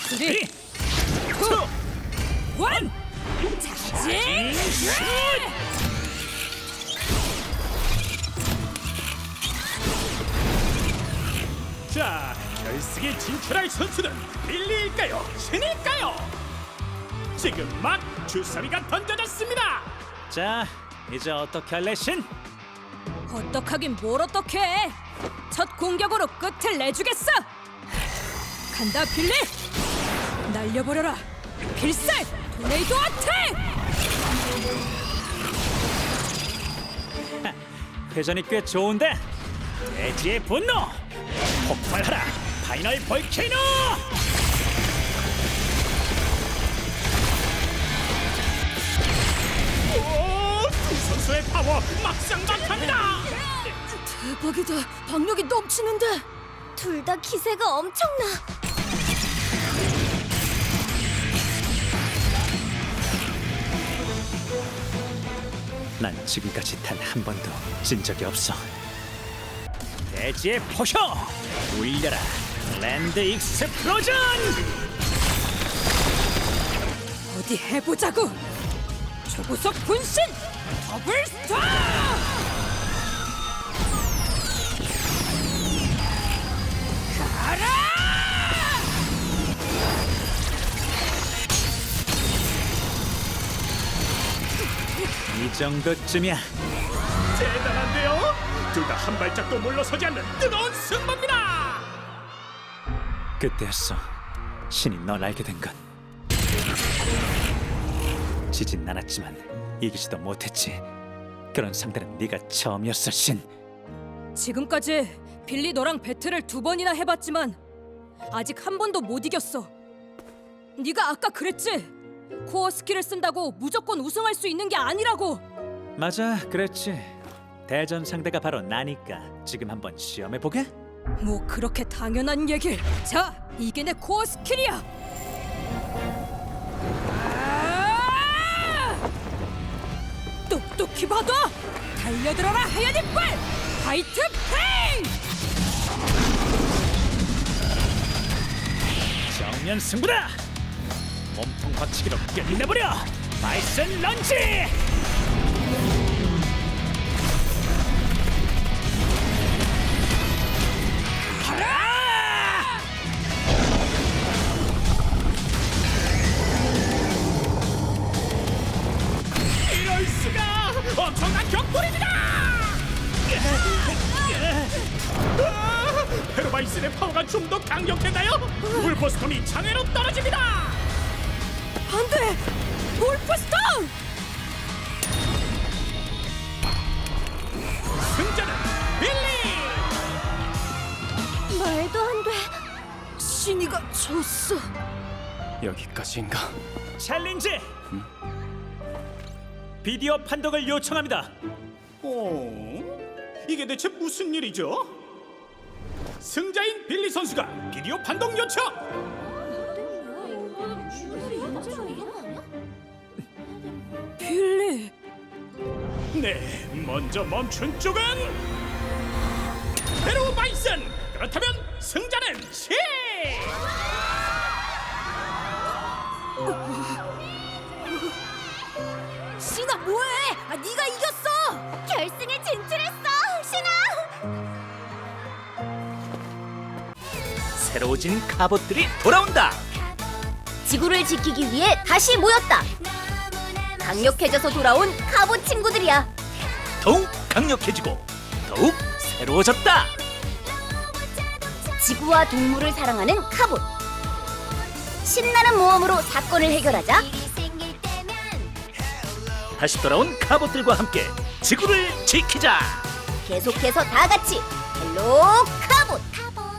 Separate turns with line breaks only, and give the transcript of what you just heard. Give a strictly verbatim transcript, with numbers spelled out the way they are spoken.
쓰리, 투, 원. 자진 슛!
자, 결승에 진출할 선수는 빌리일까요? 신일까요? 지금 막 주사위가 던져졌습니다.
자, 이제 어떻게 할래, 신?
어떡하긴 뭘 어떡해. 첫 공격으로 끝을 내주겠어. 간다 빌리. 날려버려라. 필살 토네이도 어택.
회전이 꽤 좋은데. 돼지의 분노 폭발하라. 파이널 볼케이노.
오, 두 선수의 파워 막상막합니다.
대박이다. 박력이 넘치는데.
둘 다 기세가 엄청나.
난 지금까지 단 한 번도 진 적이 없어. 돼지의 포효 울려라. 랜드 익스플로전.
어디 해보자고. 초고속 분신 더블 스타. 가라.
이 정도쯤이야.
대단한데요? 둘 다 한 발짝도 물러서지 않는 뜨거운 승부입니다.
그때였어. 신이 널 알게 된 건. 지진 않았지만 이기지도 못했지. 그런 상대는 네가 처음이었어, 신.
지금까지 빌리 너랑 배틀을 두 번이나 해봤지만 아직 한 번도 못 이겼어. 네가 아까 그랬지? 코어 스킬을 쓴다고 무조건 우승할 수 있는 게 아니라고.
맞아, 그랬지. 대전 상대가 바로 나니까 지금 한번 시험해 보게.
뭐 그렇게 당연한 얘길. 자, 이게 내 코어 스킬이야. 아! 똑똑히 봐둬. 달려들어라 하얀 이빨. 화이트 페인.
정면 승부다. 몸통 박치기로 끝내버려. 바이슨 런지. 가라!
이럴 수가! 엄청난 격돌입니다. 아, 페로바이슨의 파워가 좀 더 강력했나요? 울퍼스톤이 장애로 떨어집니다.
안돼. 볼프스톤.
승자는 빌리.
말도 안 돼.
신이가 졌어.
여기까지인가?
챌린지. 비디오 판독을 요청합니다.
어? 이게 대체 무슨 일이죠? 승자인 빌리 선수가 비디오 판독 요청!
빌리.
네, 먼저 멈춘 쪽은 페로 바이슨! 그렇다면 승자는 시!
신아 뭐해? 아, 네가 이겼어.
결승에 진출했어, 신아.
새로워진 갑옷들이 돌아온다.
지구를 지키기 위해 다시 모였다. 강력해져서 돌아온 갑옷 친구들이야.
더욱 강력해지고 더욱 새로워졌다.
지구와 동물을 사랑하는 갑옷. 신나는 모험으로 사건을 해결하자.
다시 돌아온 갑옷들과 함께 지구를 지키자.
계속해서 다 같이 헬로